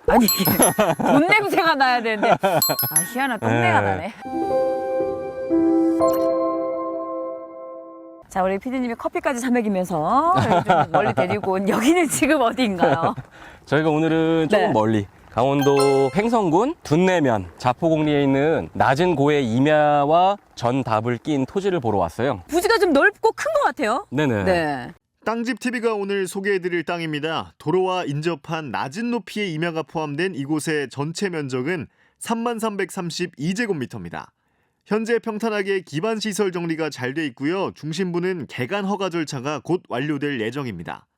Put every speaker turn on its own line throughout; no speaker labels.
아니 돈 냄새가 나야 되는데 희한한 똥내가 나네. 자, 우리 피디님이 커피까지 사 먹이면서 좀 멀리 데리고 온 여기는 지금 어디인가요?
저희가 오늘은 조금
네.
멀리 강원도 횡성군 둔내면 자포공리에 있는 낮은 고의 임야와 전답을 낀 토지를 보러 왔어요.
부지가 좀 넓고 큰 것 같아요.
네네.
네.
땅집TV가 오늘 소개해드릴 땅입니다. 도로와 인접한 낮은 높이의 임야가 포함된 이곳의 전체 면적은 3332제곱미터입니다. 현재 평탄하게 기반시설 정리가 잘 돼 있고요. 중심부는 개간 허가 절차가 곧 완료될 예정입니다.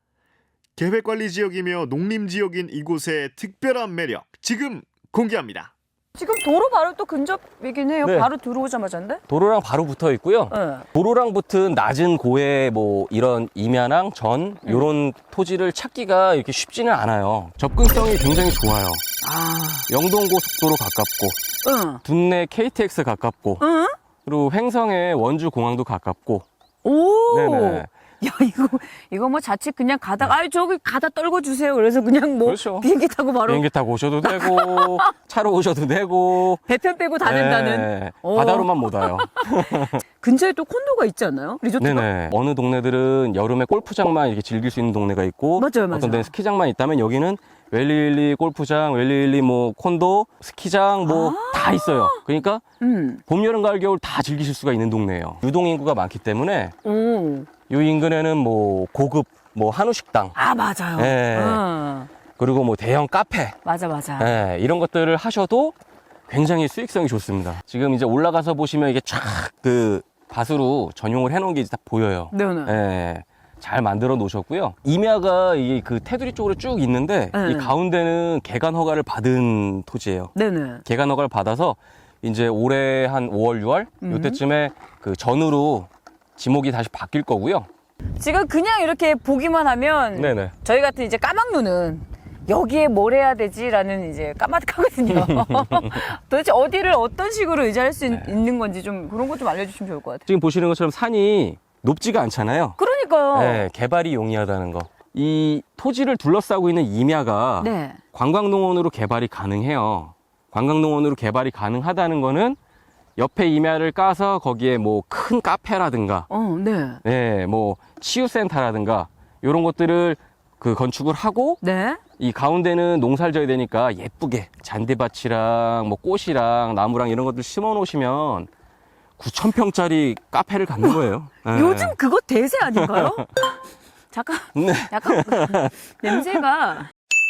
계획관리지역이며 농림지역인 이곳의 특별한 매력 지금 공개합니다.
지금 도로 바로 또 근접이긴 해요.
네.
바로 들어오자마자인데?
도로랑 바로 붙어 있고요.
네.
도로랑 붙은 낮은 고의 뭐 이런 임야랑 전 이런 토지를 찾기가 이렇게 쉽지는 않아요. 접근성이 굉장히 좋아요.
아,
영동고속도로 가깝고
응.
둔내 KTX 가깝고
응?
그리고 횡성의 원주공항도 가깝고.
오.
네네.
야, 이거 뭐 자칫 그냥 가다가, 아이, 저기 가다 떨궈 주세요. 그래서 그냥 뭐
그렇죠.
비행기 타고 바로
비행기 타고 오셔도 되고 차로 오셔도 되고.
배편 빼고 다 된다는.
네,
오.
바다로만 못 와요.
근처에 또 콘도가 있지 않나요? 리조트가?
네네. 어느 동네들은 여름에 골프장만 이렇게 즐길 수 있는 동네가 있고,
맞아요, 맞아요.
어떤 데는 스키장만 있다면 여기는 웰리윌리 골프장, 웰리윌리 뭐 콘도, 스키장 뭐 다 있어요. 그러니까 봄, 여름, 가을, 겨울 다 즐기실 수가 있는 동네예요. 유동 인구가 많기 때문에
오.
이 인근에는 뭐 고급 뭐 한우 식당,
아, 맞아요.
네. 그리고 뭐 대형 카페,
맞아.
네, 이런 것들을 하셔도 굉장히 수익성이 좋습니다. 지금 이제 올라가서 보시면 이게 쫙 그 밭으로 전용을 해놓은 게 다 보여요.
네네.
네, 잘 만들어 놓으셨고요. 임야가 이게 그 테두리 쪽으로 쭉 있는데
네.
이 가운데는 개간 허가를 받은 토지예요.
네네.
개간 허가를 받아서 이제 올해 한 5월, 6월 이때쯤에 그 전으로 지목이 다시 바뀔 거고요.
지금 그냥 이렇게 보기만 하면
네네.
저희 같은 이제 까막눈은 여기에 뭘 해야 되지라는 이제 까마득하거든요. 도대체 어디를 어떤 식으로 의지할 수 있는 건지 좀 그런 거 좀 알려주시면 좋을 것 같아요.
지금 보시는 것처럼 산이 높지가 않잖아요.
그러니까요.
네, 개발이 용이하다는 거. 이 토지를 둘러싸고 있는 임야가
네.
관광농원으로 개발이 가능해요. 관광농원으로 개발이 가능하다는 거는 옆에 임야를 까서 거기에 뭐 큰 카페라든가,
네.
네, 뭐 치유센터라든가 이런 것들을 그 건축을 하고
네.
이 가운데는 농사를 져야 되니까 예쁘게 잔디밭이랑 뭐 꽃이랑 나무랑 이런 것들 심어 놓으시면 9,000평짜리 카페를 갖는 거예요. 네.
요즘 그거 대세 아닌가요? 잠깐,
네.
약간 냄새가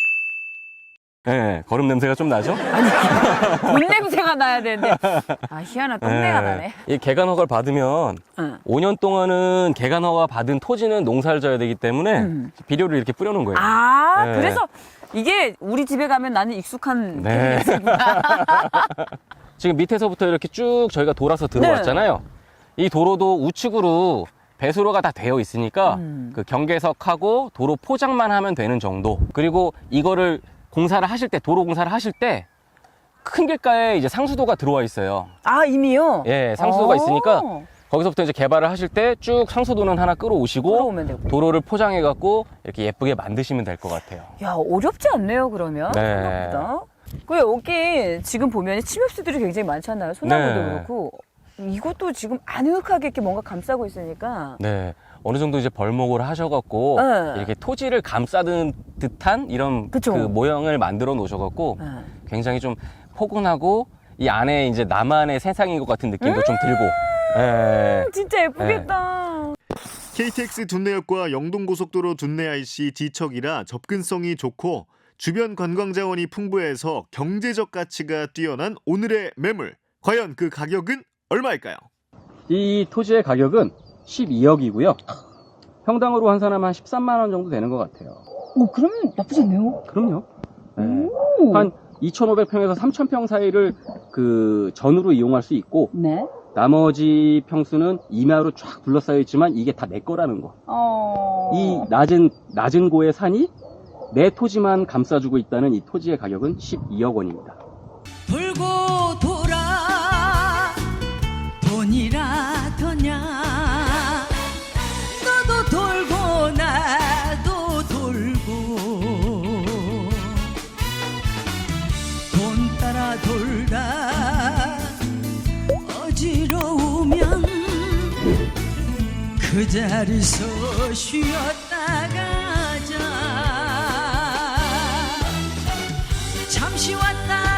네, 거름 냄새가 좀 나죠?
돈 냄새가 나야 되는데 희한한 똥내가 나네.
이 개간 허가를 받으면
응.
5년 동안은 개간 허가 받은 토지는 농사를 져야 되기 때문에 비료를 이렇게 뿌려놓은 거예요.
아,
네.
그래서 이게 우리 집에 가면 나는 익숙한
네.
냄새구나.
지금 밑에서부터 이렇게 쭉 저희가 돌아서 들어왔잖아요. 이 도로도 우측으로 배수로가 다 되어 있으니까 그 경계석하고 도로 포장만 하면 되는 정도. 그리고 이거를 공사를 하실 때, 도로 공사를 하실 때 큰 길가에 이제 상수도가 들어와 있어요.
아, 이미요?
예, 상수도가
오.
있으니까 거기서부터 이제 개발을 하실 때 쭉 상수도는 하나 끌어오시고
끌어오면 되고.
도로를 포장해 갖고 이렇게 예쁘게 만드시면 될 것 같아요.
야, 어렵지 않네요, 그러면.
네.
생각보다. 그 여기 지금 보면 침엽수들이 굉장히 많잖아요. 소나무도
네.
그렇고. 이것도 지금 아늑하게 이렇게 뭔가 감싸고 있으니까.
네. 어느 정도 이제 벌목을 하셔갖고
네.
이렇게 토지를 감싸는 듯한 이런
그쵸.
그 모형을 만들어 놓으셔갖고
네.
굉장히 좀 포근하고 이 안에 이제 나만의 세상인 것 같은 느낌도 좀 들고. 네.
진짜 예쁘겠다.
KTX 둔내역과 영동고속도로 둔내 IC D척이라 접근성이 좋고 주변 관광자원이 풍부해서 경제적 가치가 뛰어난 오늘의 매물. 과연 그 가격은 얼마일까요?
이 토지의 가격은 12억이고요. 평당으로 환산하면 한 13만 원 정도 되는 것 같아요.
오, 그러면 나쁘지 않네요.
그럼요. 네.
오.
한 2,500평에서 3,000평 사이를 그 전으로 이용할 수 있고
네.
나머지 평수는 임야로 쫙 둘러싸여 있지만 이게 다 내 거라는 거. 이 낮은 고의 산이 내 토지만 감싸주고 있다는 이 토지의 가격은 12억 원입니다.
돌고 돌아 돈이라 더냐 너도 돌고 나도 돌고 돌다 어지러우면 그 자리서 쉬었다 가자. 잠시 왔다